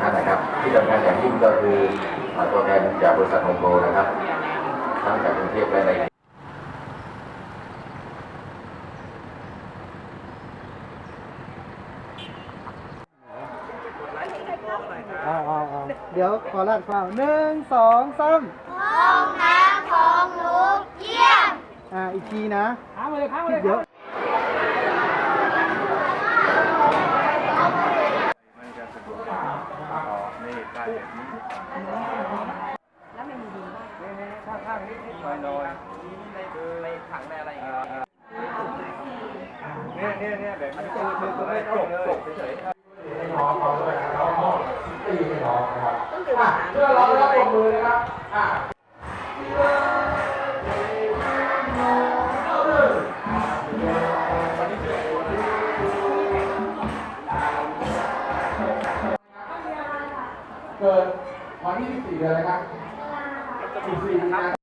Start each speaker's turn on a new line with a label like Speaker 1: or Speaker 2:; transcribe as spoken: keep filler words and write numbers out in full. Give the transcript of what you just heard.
Speaker 1: นะครับที่สำคัญอย่างยิ่งก็คือตัวแทนจากบริษัทโฮมโปรนะครับทั้งจากกรุงเทพและใน
Speaker 2: เอาเอาเอาเดี๋ยวขอลาดข้าวหนึ่งสองสาม
Speaker 3: ห้องน้ำของหนูเยี่ยม
Speaker 2: อ่าอีกทีนะค้างไปเลยค้างไปเลยเดี๋ยว
Speaker 4: มันจะสะดวกนี่การแบบนี้แล้วมันมีดีมากนี่ๆข้างๆนิดๆหน่อยๆในในถังในอะไรอย่างเงี้ยเนี่ยเนี่ยเนี่ยแบบนี้คือคือคือไม่จบจบเฉยๆ
Speaker 1: น้องเขาด้วยนะน้องน้องตีให้น้องนะครับเพื่อเราได้ปรบมือนะครับอ่ะเกิดวันที่สิบสี่เดือนอะไรครับสิบสี่